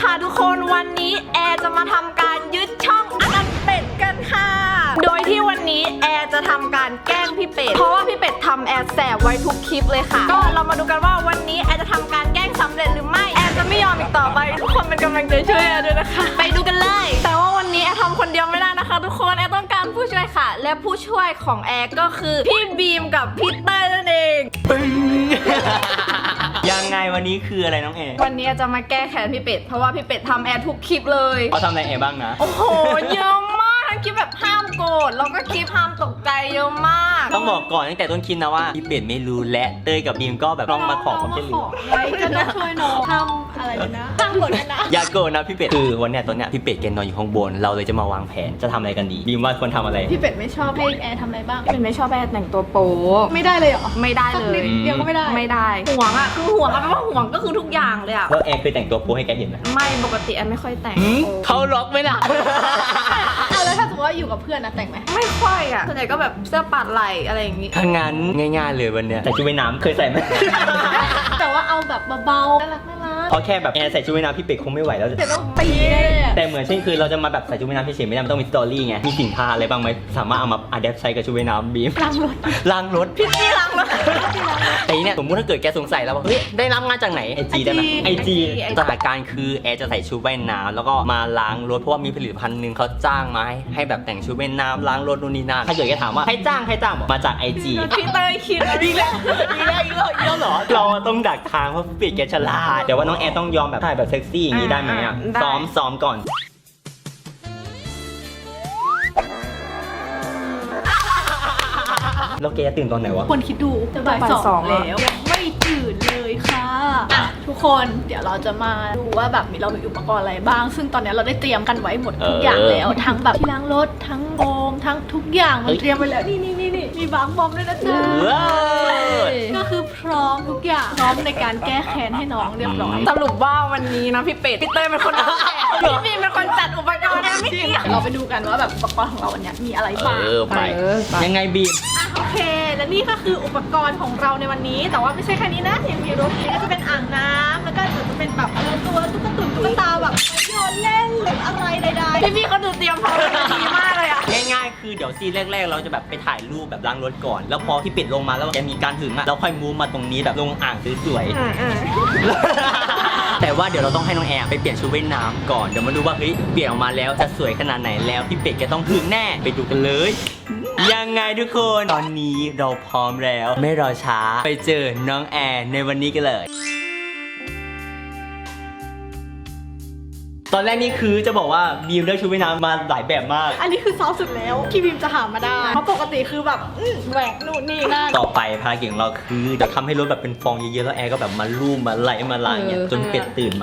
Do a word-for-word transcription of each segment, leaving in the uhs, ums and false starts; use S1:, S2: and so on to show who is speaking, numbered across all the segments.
S1: ค่ะทุกคนวันนี้แอร์จะมาทำการยึดช่องอนันต์เป็ดกันค่ะโดยที่วันนี้แอร์จะทำการแกล้งพี่เป็ดเพราะว่าพี่เป็ดทำแอร์แสบไว้ทุกคลิปเลยค่ะก็เรามาดูกันว่าวันนี้แอร์จะทำการแกล้งสำเร็จหรือไม่แอร์จะไม่ยอมอีกต่อไปทุกคนเป็นกำลังใจช่วยแอร์ด้วยนะคะไปดูกันเลยแต่ว่าวันนี้แอร์ทำคนเดียวไม่ได้นะคะทุกคนแอร์ต้องการผู้ช่วยค่ะและผู้ช่วยของแอร์ก็คือพี่บีมกับพี่เต้ยนั่นเอง
S2: ปึ้ง ยังไงวันนี้คืออะไรน้องเอ
S1: วันนี้จะมาแก้แค้นพี่เป็ดเพราะว่าพี่เป็ดทำแอร์ทุกคลิปเลย
S2: เขาทำอะไรเอบ้างนะ
S1: โอ้โหเยอะมากทั้งคลิปแบบห้ามโกรธแล้วก็คลิปห้ามตกใจเยอะมาก
S2: ต้องบอกก่อนตั้งแต่ต้นคลิปนะว่าพี่เป็ดไม่รู้และเต้ยกับบีมก็แบบลองมาขอความช่วยเหลือ
S3: ไว้ก็ต้องช่วยน้องทำอะไรนะทำหมดนะ
S2: อย่าโกรธนะพี่เป็ดคือวันเนี้ยตอนเนี้ยพี่เป็ดแกนอนอยู่ข้างบนเราเลยจะมาวางแผนจะทำอะไรกันดีบีมว่าควรทำอะไร
S3: พี่เป็ดไม่ชอบให้แอร์ทำอะไรบ้าง
S1: พี่เป็ดไม่ชอบแอร์แต่งตัวโป๊
S3: ไม่ได้เลยเหรอ
S1: ไม่ได้เลย
S3: เดียวก็ไม่ได้
S1: ไม่ได้ห่วงอ่ะคือห่วงอะแปลว่าห่วงก็คือทุกอย่างเลยอ่ะ
S2: แล้วแอร์เคยแต่งตัวโป๊ให้แกเห็นไหม
S1: ไม่ปกติแอร์ไม่ค่อยแต่ง
S2: เขาล็อกไหมล่ะ
S3: เอาแล้วถ้าสมมติว่าอยู่กับเพื่อนนะแต่งไหม
S1: ไม่ค่อยอ่ะส่วนใหญ่ก็แบบเสื้อปัดไหล่อะไรอย่างงี้
S2: ถ้างั้นง่ายๆเลยวันเนี้ยใส่ชุดว่ายน้ำเคยใส่ไหม
S3: แต่ว่าเอาแบบเบาๆน่ารักน่ารัก
S2: เอาแค่แบบแอร์ใส่ชุดว่ายน้ำพี่เป็ดคงไม่ไหวแล้ว
S3: แต่ต้องตี
S2: แต่เหมือนเช่นคือเราจะมาแบบใส่ชุดว่ายน้ำเฉยๆไม่ได้มันต้องมีสตอรี่ไงมีสินค้าอะไรบ้างไหมสามารถเอามาอัดแอปใช้กับชุดว่ายน้ำบีม
S3: ล้างรถ
S2: ล้างรถ
S1: พี่นี่ล้างรถ
S2: แต่เนี่ยสมมติถ้าเกิดแกสงสัยแล้วว่าเฮ้ยได้รับงานจากไหนไอจีได้ไหมไอจีสถานการณ์คือแอร์จะใส่ชุดว่ายน้ำแล้วก็มาล้างรถเพราะว่ามีผลิตภัณฑ์หนึ่งเขาจ้างมาให้ให้แบบแต่งชุดว่ายน้ำล้างรถนู่นนี่นั่นถ้าเกิดแกถามว่าใครจ้างใครจ้างบอกมาจากไอจี
S1: พี่เต้ยคิด
S2: อีกแล้วอีกแล้วอีกแล้วอีกแล้วเหรอเราต้องดักทางเพราะปิดแกฉลาดแต่ว่าน้องแอร์ต้องยอมแบบถ่ายแบบเซ็กซี่อย่างนี้ได้ไหมอ่ะซ้อมซ้อมก่อนแล้วแกจะตื่นตอนไหนวะ
S3: คนคิดดูจะบ่ายสองแล้วยังไม่ตื่นเลยค่ะอ่ะทุกคนเดี๋ยวเราจะมาดูว่าแบบมีเรามีอุปกรณ์อะไรบ้างซึ่งตอนนี้เราได้เตรียมกันไว้หมดทุกอย่างแล้วทั้งแบบที่ล้างรถทั้งโฟมทั้งทุกอย่างมันเตรียมไว้แล้วนี่นี่นี่นี่มีบางบอมด้วยนะจ๊ะก็คือพร้อมทุกอย่างพร้อมในการแก้แค้นให้น้องเรียบร้อย
S1: สรุปว่าวันนี้นะพี่เป็ดพี่เต้ยเป็นคนเอาแพี่บีมเป็นคนจัดอุปกรณ์นะไม่เกี่ยว
S3: เราไปดูกันว่าแบบอุปกรณ์ของเราวันนี้มีอะไรบ้าง
S2: เออไปยังไงบีม
S3: โอเคและนี่ก็คืออุปกรณ์ของเราในวันนี้แต่ว่าไม่ใช่แค่นี้นะยังมีรถก็จะเป็นอ่างน้ำแล้วก็จะเป็นแบบตัวตุ๊กตุ่นตุ๊กตาแบบโยนเล่นหรืออะไรใดๆ
S1: พี่พี่เขาดูเตรียมพร้อมดีมากเลยอะ
S2: ง่ายๆคือเดี๋ยวซีนแรกๆเราจะแบบไปถ่ายรูปแบบล้างรถก่อนแล้วพอที่ปิดลงมาแล้วจะมีการถึงอะเราค่อยมูฟมาตรงนี้แบบลงอ่างสวยๆแต่ว่าเดี๋ยวเราต้องให้น้องแอร์ไปเปลี่ยนชุดว่ายน้ำก่อนเดี๋ยวมาดูว่าเฮ้ยเปลี่ยนออกมาแล้วจะสวยขนาดไหนแล้วพี่เป็ดแกต้องถึงแน่ไปดูกันเลยยังไงทุกคนตอนนี้เราพร้อมแล้วไม่รอช้าไปเจอน้องแอร์ในวันนี้กันเลยตอนแรกนี่คือจะบอกว่าบีมเลือกชุดว่ายน้ำมาหลายแบบมาก
S3: อันนี้คือซอฟสุดแล้วที่บีมจะหามาได้เพราะปกติคือแบบแหวกนู่นนี่นั่น
S2: ต่อไปภารกิจของเราคือจะทำให้รถแบบเป็นฟองเยอะๆแล้วแอร์ก็แบบมาลูบมาไหลมาล้างเนี่ยจนเป็ดตื่นมา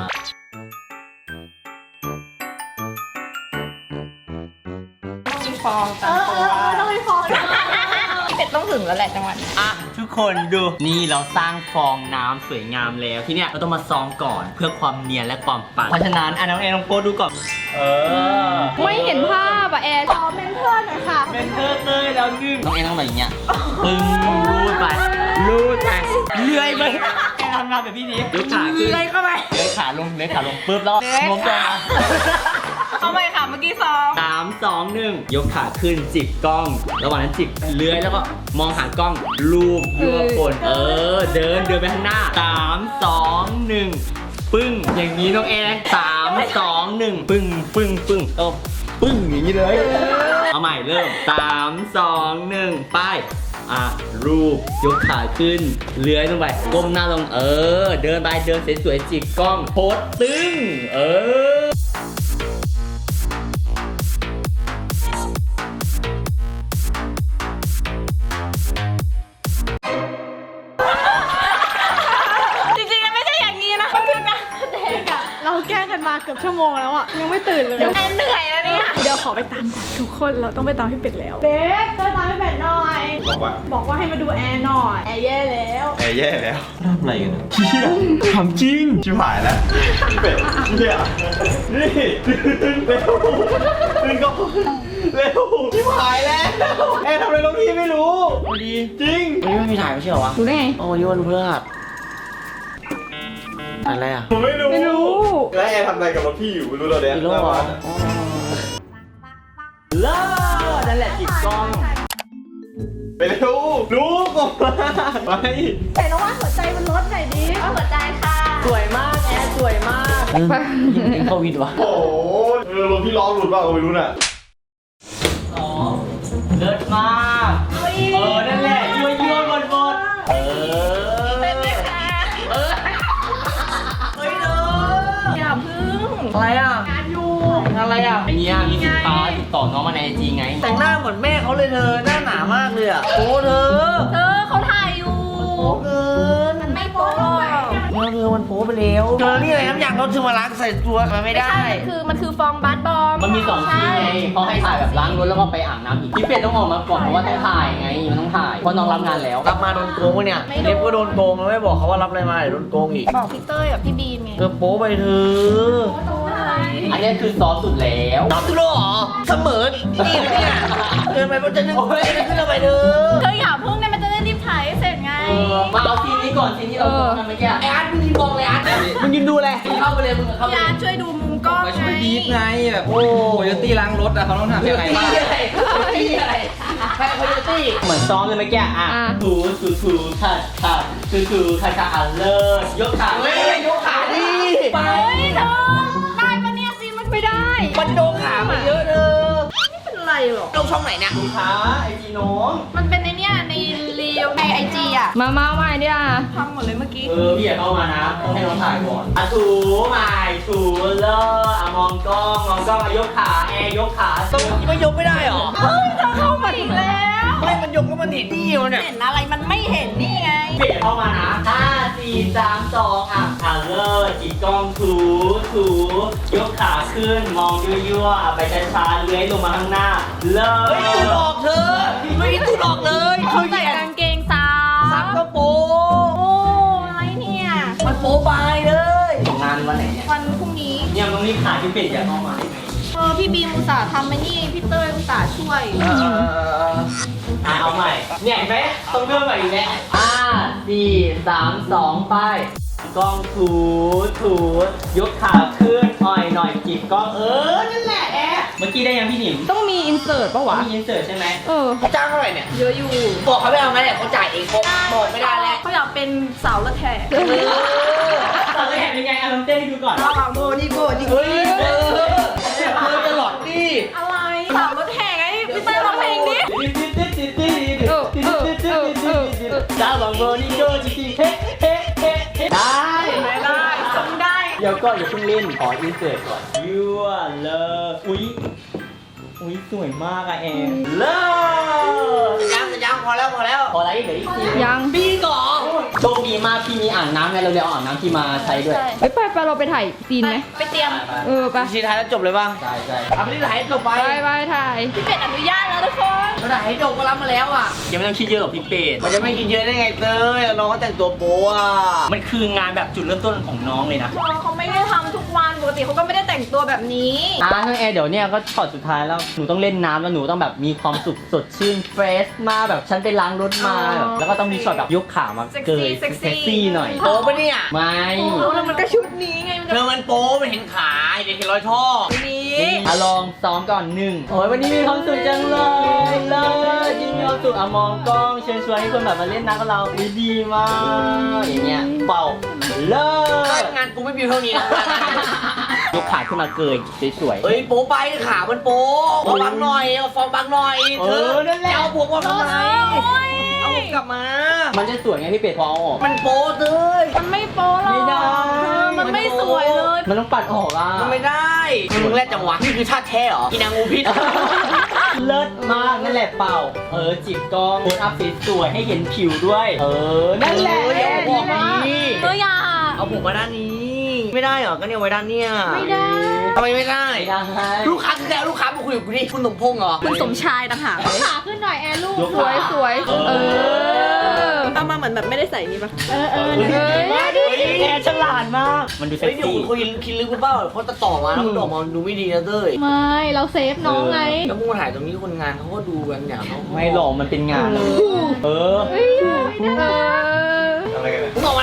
S1: ฟองตามตัว
S3: ต้องมีฟอง
S1: เป็ดต้องถึงแล้วแหละจังหวะ
S2: อ่ะทุกคนดูนี่เราสร้างฟองน้ำสวยงามแล้วที่เนี้ยเราต้องมาซองก่อนเพื่อความเนียนและความปังเพราะฉะนั้นอ่ะน้องแอร์ลองโพสดูก่อนเออ
S1: ไม่เห็นภาพอะแอร์
S3: ขอเมนเทอร์หน่อยค่ะ
S2: เมนเทอร์เลยแล้วนึ่งน้องแอร์ต้องแบบอย่างเงี้ยปึ้งรูดไปรูดไปเลื่อยไปแอร์ทำงานแบบพี่นี้ยกขาขึ้น
S1: เลื่อยเข้าไป
S2: เลื่อยขาลงเลื่อยขาลงปึ๊บแล้วงงตัว
S1: เอาไปค่ะเมื่อกี้สอง
S2: สามสองหนึ่งยกขาขึ้นจิกกล้องระหว่างนั้นจิกเลื้อยแล้วก็มองหากล้องลูบยั่วคนเออเดินเดินไปข้างหน้าสามสองหนึ่งปึ้งอย่างนี้น้องแอร์สามสองหนึ่งปึ้งปึ้งปึ้งเออปึ้งอย่างนี้เลยเอาใหม่เริ่มสามสองหนึ่งไปอ่ะรูปยกขาขึ้นเลื้อยลงไปก้มหน้าลงเออเดินไปเดินสวยๆจิกกล้องโพสตึ้งเออ
S3: เราแก้กันมาเกือบชั่วโมงแล้วอ่ะยังไม่ตื่นเลย
S1: แอนเหนื่อยแล้วเนี่ย
S3: เดี๋ยวขอไปตามก่อนทุกคนเราต้องไปตามพี่เป็ดแล้วเป็ดไปตามพี่เป็ดหน่อย
S4: บอกว่า
S3: บอกว่าให้มาดูแอร์หน่อยแอร์แย่แล้ว
S4: แอร์แย่แล้ว
S2: ทำอะไรกัน
S4: เชี่ยทำจริงชิบหายแล้วเป็ดเนี่ยนี่ตื่นเร็วตื่นก็เร็วชิบหายแล้วแอร์ทำอะไรลงที่ไม่รู้
S2: พอดี
S4: จริง
S2: วันนี้ไม่มีถ่ายไม่ใช่เหรอวะ
S1: ดูได้ไง
S2: โอ้ยวันเพื่อ
S5: อะไรอ่ะ
S4: ผมไม่รู้
S1: ไม่รู้
S4: แล้วแอร์ทำอะไรกับรถพี่อยู่ไม่รู้เราเนี่ย
S5: อีโร่เหรอ
S2: เลิศนั่นแหละจิบกล้อง
S4: ไปเร็วรู้ก่อนไป
S3: แต่ระว่าหัวใจมันลดหน่อยดิว่าหัวใจค่ะ
S2: สวยมากแอร์สวยมาก
S5: ยิงถึงโควิดวะ
S4: โอ้โหเออรถพี่ล้อหลุดเปล่าก็ไม่รู้น่ะ
S2: สองเลิศมากเออนั่นแหละยั่วยั่วบนบนเออ
S3: เป็นไหมคะ
S2: เออเฮ้ยเด้อ
S3: อย่าพึ่ง
S5: อะไรอ่ะ
S3: งานอยู่
S5: อะไรอ่ะ
S2: เนี่ยมีสินค้าติดต่อน้องมาในไอจีไง
S5: แต่งหน้าเหมือนแม่เขาเลยเธอ หน้าหนามากเลยอ่ะโอ้เธอ
S3: เธอเขาถ่ายอยู่
S5: โอ้เกิน
S3: มันไม่โป๊หรอก
S5: เธอเธอมันโป๊ไปแล้วเธอนี่อะไรน้ำยางรถเธอมาล้างใส่ตัวมันไม่ได้
S3: ใช่มันคือมันคือฟองบาสบอม
S2: มันมีสองทีไงเขาให้ถ่ายแบบล้างรถแล้วก็ไปอาบน้ำอีกพี่เป็ดต้องออกมาก่อนเพราะว่าต้องถ่ายไงมันต้องถ่ายเพราะน้องรับงานแล้ว
S5: รับมาโดนโกงวะเนี่ยเล็บก็โดนโกงแล้วไม่บอกเขาว่ารับอะไรมาเดี๋ยวโดนโกงอีก
S3: บอกพี่เต้ยกับพี่บีมไง
S5: เธอโป๊ไปเธอ
S3: โป๊อะไร
S2: อันนี้คือซอสสุดแล้ว
S5: ตอบตุโลเหรอเสมอนี่เลยเนี่ยเกินไปมันจะนึกจะขึ้นเราไปเธอ
S3: เธออย่าพึ่งเนี่ยมันจะได้รีบถ่ายให้เสร็จไง
S2: เออมาเอาซีนนี้ก่อนซีนที่เราทำเมื่อกี้
S5: ไอ้อาร์ตมึงยืนมองเลยอาร์ตมึงยืนดูเลยมึงเข้าไปเลยมึงเข้าไป
S3: พี่อาร์ตช่วยดูมุมกล้อง
S6: มา
S3: ไง
S6: ช่วยบีบไงแบบโอ้โยตี้ล้างรถอะเขาต้องทำยังไงบ้าง
S5: อะไรตีอะไรแพ้โคโยตี้
S2: เหมือนซ้อมเลยเมื่อกี้อ่ะถูถูถูขัดขัดถูถูขัดขัดอ่ะเลิศยกขา
S5: เฮ้ยยกขาดิ
S3: ไปเธอได้ปะเนี่ยซีมันไม่ได้
S5: มันโดนขามันเยอะเธอ
S3: ไม่เป็นไรหรอก
S5: ลงช่องไหนเนี่ย
S2: ลูกค้าไอจีน้อง
S3: มันเป็นในเนี้ยในเรียวในไอจีอ่ะ
S1: มามาใหม่เนี่ย
S3: พังหมดเลยเมื่อกี้
S2: เออพี่อย่าเข้ามานะต้องให้น้องถ่ายก่อนอ่ะถูใหม่ถูเลิศอ่ะมองกล้องมองกล้องอ่ะยกขาแอร์ยกขา
S5: ต้องไม่ยกไม่ได้หรอ
S3: เฮ้ยเธอเข้ามาอีกแล้ว
S5: ไม่มันยกก็มันเห็นนี่มันเนี่ย
S3: เห็นอะไรมันไม่เห็นนี่ไง
S2: เปลี่ยนเข้ามานะห้าสี่สามสองอ่ะอ่ะเลิศจิกกล้องถูถูยกขาขึ้นมองยั่วๆอ่ะไปช้าๆเลื้อยลงมาข้างหน้าเลิ
S5: เฮ้ยตูด
S2: ศ
S5: ออกเธอไม่มีตูดออกเลยเธอ
S3: ใส่
S5: แย่
S3: กางเกงซ้
S5: ซับก็โป๊
S3: โอ้อะไรเนี่ย
S5: มันโป๊ไปเลย
S2: ส่งงานวันไหนเนี่ย
S3: วันพรุ่งนี้
S2: เนี่ยมันต้องรีบขายพี่เป็ดอย่าเข้ามาได้ไหม
S3: เออพี่บีมอุตส่าห์ทำมานี่พี่เต้ยอุตส่าห์ช่วย
S2: อ่ะเอาใหม่เนี่ยเห็นไหมต้องเริ่มใหม่อีกแล้วห้าสี่สามสองไปกล้องถูถูยกขาขึ้นอ่อยหน่อยจีบกล้องเออนั่นแหละแอะเมื่อกี้ได้ยังพี่หนิม
S1: ต้องมีอินเสิร์ตปะวะ
S2: มีอินเสิร์ตใช่ไหม
S1: เออ
S5: เขาจ้างเท่าไหร่เนี่ย
S3: เยอะอยู่
S5: บอกเขาไม่เอางั้นเนี่ยเขาจ่ายเองเขาบอกไม่ได้แล้ว
S3: เขาอยากเป็นสาวละแทก
S5: เออ
S2: ตอนแรกเป็นไงอ่ะลองเต้นให้ดูก่อน
S5: ระหว่างโบนี่โบนี่เฮ้ยเออเธอจะหลอดดิ
S3: อะไรสาวละแทกไงพี่เต้ยร้องเพลงดิ
S2: ดาวบังโบนี่โดจริงๆเฮ้เฮ้เฮ้เฮ้ได้
S3: ไม่ได้จำได้
S2: เดี๋ยวก็อย่าเพิ่งเล่นขออินเสิร์ตก่อนยั่วเลยอุ้ยอุ้ยสวยมากอะแอมเลิศ
S5: ยังยังพอแล้วพอแล้ว
S2: พออะไรเหลืออีกที
S1: ยัง
S5: ปีก่อน
S2: โชคดีมากพี่มีอ่างน้ำไงเราเลยเอาอ่างน้ำที่มาใช้ด้วย
S1: เฮ้ยไปไปเราไปถ่ายซีนไหม
S3: ไปเตรียม
S1: เออไป
S5: ชีท้ายแล้วจบเลยป่ะ
S2: ใช่ใช่
S5: เอาไปที่ถ่ายจบไป
S1: ไปไปถ่าย
S3: พี่เป็ดอนุญาตแล้วทุกคน
S5: เราถ่ายให้จบก็รับมาแล้วอ่ะ
S2: ยังไม่ต้องคิดเยอะหรอกพี่เป็ด
S5: มันจะไม่กินเยอะได้ไงเต้ยน้องเขาแต่งตัวโป๊อ่ะ
S2: มันคืองานแบบจุดเริ่มต้นของน้องเลยนะ
S3: เขาไม่ได้ทำทุกวันปกติเขาก็ไม่ได้แต่งตัวแบบนี้
S2: อ่าทั้งแอร์เดี๋ยวเนี่ยก็ช็อตสุดท้ายแล้วหนูต้องเล่นน้ำแล้วหนูต้องแบบมีความสุขสดชื่นเฟรชมาแบบฉันไปล้างรถมาแบบแล้วก็ต้องมีช็อตแบบยกขามาเกย
S3: เซ็กซี่
S2: เซ็กซี่หน่อย
S5: โป๊ปะเนี่ย
S2: ไม่
S3: แล้วมันก็ชุดนี้ไงมัน
S5: เธอมันโป๊มันเห็นขาเด็กเห็นรอยท่อ
S3: นี้
S2: อ่ะลองซ้อมก่อนหนึ่งโอ้ยวันนี้มีความสุขจังเลยเลยยิ่งมีความสุขอ่ะมองกล้องเชิญชวนให้คนแบบมาเล่นน้ำกับเราอุ๊ยดีมากอย่างเงี้ยเป่าเลิศ
S5: งานกูไม่มีเท่านี้นะ
S2: ยกขาขึ้นมาเกยสวยๆ
S5: เฮ้ยโป๊ไปขามันโป๊เอาบังหน่อยเอาฟองบังหน่อย
S2: เออนั่นแหละ
S5: จะเอาผมมาทำไม
S3: โอ้ย
S5: เอาผมกลับมา
S2: มันจะสวยไงพี่เป็ดพอเอาออก
S5: มันโป๊เต้ย
S3: มันไม่โป๊หรอก
S2: ไม่ได้
S3: เออมันไม่สวยเลย
S2: มันต้องปัดออกอ่ะ
S5: มันไม่ได้มึงแรกจังหวะนี่คือชาติแท้เหรอกินนางงูพิษ
S2: เลิศมากนั่นแหละเป่า เออจิบกล้องโพสอัพสวยๆให้เห็นผิวด้วย เออ นั่นแหละ
S5: เออเดี๋ยวเอาบอกนี้
S3: เอออย่า
S5: เอาผมมาด้านนี้ ไม่ได้เหรอก็เนี่ยไว้ด้านเนี้ย
S3: ไม่ได้
S5: ทำไมไม่ได้
S2: ไม่ได้
S5: ลูกค้าคือแล้วลูกค้ามาคุยกับกูดิคุณสมพงษ์เหรอ
S3: คุณสมชายต่างหาก
S1: ขาขึ้นหน่อยแอร์ลูก
S2: ยก
S1: สวยสวย
S2: เอ
S1: เอ
S2: อ
S1: อ
S3: เอามาเหมือนแบบไม่ได้ใส่นี่ปะ
S1: เออเออ
S2: เฮ้ย
S1: เออ
S2: มากเลยแอร์ฉลาดมาก มันดูเซ็
S5: เฮ้
S2: ก
S5: ยเดี๋ยว
S2: ซี่
S5: คุณคุยคิดลึกคุณเปล่าเพราะตัดต่อมาแล้วมันออกมาดูไม่ดีนะเต้ย
S1: ไม่เราเซฟน้องไง
S5: แล้วมึงมาถ่ายตรงนี้คนงานเขาก็ดูกันอย่างเขา
S2: ไม่หรอกมันเป็นงาน เออ
S1: เฮ้ยเออ
S4: อะไรกันเนี่ย
S5: มึงออกมาทำไม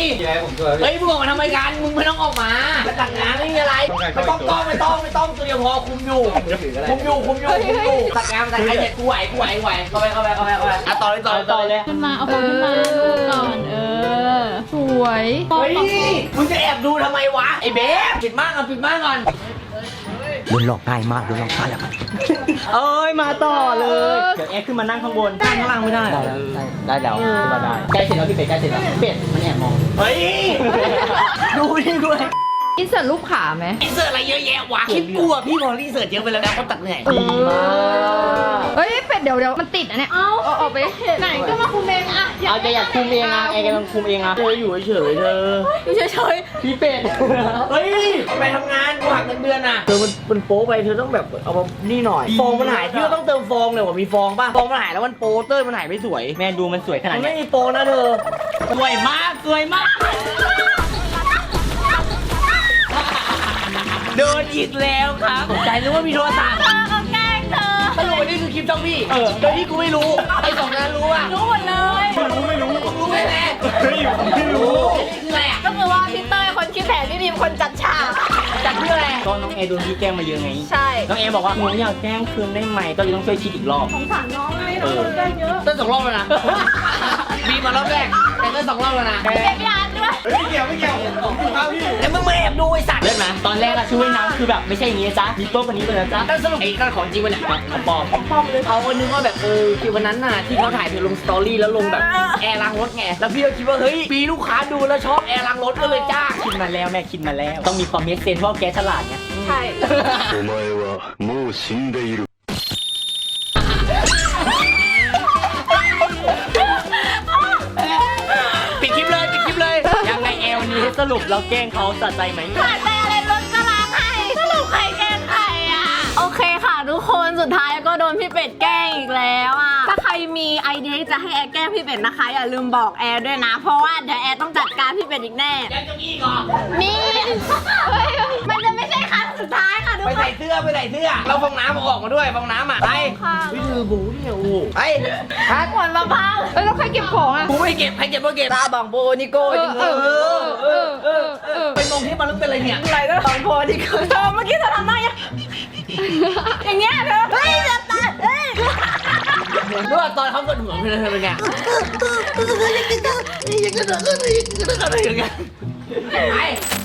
S6: ยังไงผมช่วยพี่
S5: เฮ้ยมึงออกมาทำไมกันมึงไม่ต้องออกมามาจัดงานไม่มีอะไรไม่ต้องกล้องไม่ต้องไม่ต้องตัวเดียวพอคุมอยู่คุมอยู่คุมอยู่คุมอยู่จัดงานจัดงานเสร็จกูไหวกูไหวกูไหวเข้าไปเข้าไปเข้าไปเข้าไปอ่ะต่อเลยต่อเลยต่อเลย
S3: ขึ้นมาเอาฟองขึ้นมาดูก่อนเออ สวยฟอง
S5: เฮ้ย
S3: ฟอง
S5: มึงจะแอบดูทำไมวะไอ้เบ๊ปิดม่านก่อนปิดม่านก่อน
S2: โดนหลอกง่ายมากโดนหลอกง่ายแล้วเอ้ยมาต่อเลย เดี๋ยวแอร์ขึ้นมานั่งข้างบนนั่งข้างล่างไม่ได้ได้แล้วได้แล้วขึ้นมาได้ใกล้เสร็จแล้วพี่เป็ดใกล้เสร็จแล้วเป็ดมันแอบมอง
S5: เฮ้ยดูนี่ด้วย
S1: อินเสิร์ตรูปขาไหม
S5: รีเสิร์ชอะไรเยอะแยะวะคลิปกูอะพี่พอรีเสิร์ชเยอะไปแล้วนะเขาตัดเหนื่อย
S1: เฮ้ยเป็ดเดี๋ยวเดี๋ยวมันติดอ่ะเนี่ย เอาเอาออกไป
S3: ไหนก็มาคุมเองอะ
S2: เอาจะอยากคุมเองอ่ะแอร์กำลังคุมเองอ่ะเธออยู่เฉยๆเธอ
S3: อยู่เฉย
S2: พี่เป็ด
S5: เฮ้ยเอาไปทำงานกูหักเงินเดือนอ่ะเธอมันมันโป๊ไปเธอต้องแบบเอามานี่หน่อยฟองมันหายพี่ก็ต้องเติมฟองเลยว่ามีฟองป่ะฟองมันหายแล้วมันโป๊เต้ยมันหายไม่สวย
S2: แม่ดูมันสวยขนาด
S5: มัน
S2: นี้
S5: ไม่มีฟองนะเธอ
S2: สวยมากสวยมาก
S5: โดนอีกแล้วครับตกใจนึกว่ามีโทรศัพท์
S3: ๆเธอก็แกล้งเธอ
S5: สรุปวันนี้คือคลิปจ้องพี่เออโดยที่กูไม่รู้ไอ้สองนั้นรู้อ่ะ
S3: รู้หมดเลย
S4: ไม่รู้ไม่รู้
S5: รู้ไหมแม่
S4: เฮ้ยผมไม่รู้
S5: อันนี้คืออะไรอ่ะ
S3: ก็คือว่าพี่เต้ยคนคิดแผนพี่บีมคนจัดฉาก
S5: จัดเพื่ออะไร
S2: ก็น้องแอร์โดนพี่แกล้งมาเยอะไง
S3: ใช่
S2: น้องแอร์บอกว่าหนูอยากแกล้งคืนได้ไหมก็เลยต้องช่วยคิดอีกรอบ
S3: สงสารน้องไงน้องโดนแกล้งเยอะ
S5: เต้นสองรอบแล้วนะบีมารอบแรกแต่เต้นสองรอบแล้วนะ
S3: เก็บยานด้วย
S4: เฮ้ยไม่เกี่ยวไม่เกี่ยวผมอยู่ข้างพี่
S5: แล้วมึงมาแอบดูไอ้สัตว์
S2: เลิศไหมตอนแรกอะชุดว่ายน้ำคือแบบไม่ใช่อย่างนี้นะจ๊ะมีโต๊ะวันนี้เลยนะจ๊ะ
S5: แล้วสรุปไอ้นั่นของจริงวะเนี่ย
S2: ของปลอม
S5: เขาก็นึกว่าแบบเออคือวันนั้นน่ะที่เขาถ่ายเธอลงสตอรี่แล้วลงแบบแอร์ล้างรถไงแล้วพี่ก็คิดว่าเฮ้ยมีลูกค้าดูแล้วชอบแอร์ล้างรถก็เลยจ้าง
S2: คิดมาแล้วแม่คิดมาแล้ว ต้องมีความเมคเซนเพราะแกฉลาดไง
S3: ใช่
S7: お前はもう死んでいる。
S5: ปิดคลิปเลยปิดคลิปเลย
S2: ยังไงแอลวันนี้ให้สรุปเราแกล้งเขาสะใจไหม
S3: ผ่านไปอะไรรถก็ล้างให้สรุปใครแกล้งใครอ่ะ โอเคค่ะทุกคนสุดท้ายก็โดนพี่เป็ดแกล้งอีกแล้วอ่ะ ถ้าใครมีไอเดียที่จะให้แอร์แกล้งพี่เป็ดนะคะ อย่าลืมบอกแอร์ด้วยนะ เพราะว่าเดี๋ยวแอร์ต้องจัดการพี่เป็ดอีกแน่
S5: ยังจะมีอีก่อน
S3: มีเฮ้ยมันจะไม่ใช่ครั้งสุดท้ายค่ะทุก
S5: ไป
S3: ค
S5: ใส่
S3: น
S5: เสื้อไปใส่เสื้อเราฟองน้ำเอาออกมาด้วยฟองน้ำอ่ะไป
S3: ค่ะ
S5: วิธีบูเนี่ยโอ้โหไปฮัท
S3: หมดมะพร้าวเอ้ยแล้วใครเก็บของอ่ะ
S5: กูไม่เก็บใครเก็บก็เก็บตาบังโบนิโก้จริงเออเออเออเออเออเป็นมงที่มันลึกเป็นอะไรเนี่ย
S3: อะไรก็ของพอดีคือเธอเมื่อกี้เธอทำได้ยังอย่างเงี้ยเธอเฮ้ยจะตายเฮ้ย
S5: รู้ว่าตอนเขากดหัวเป็นอะไรเป็นไงไป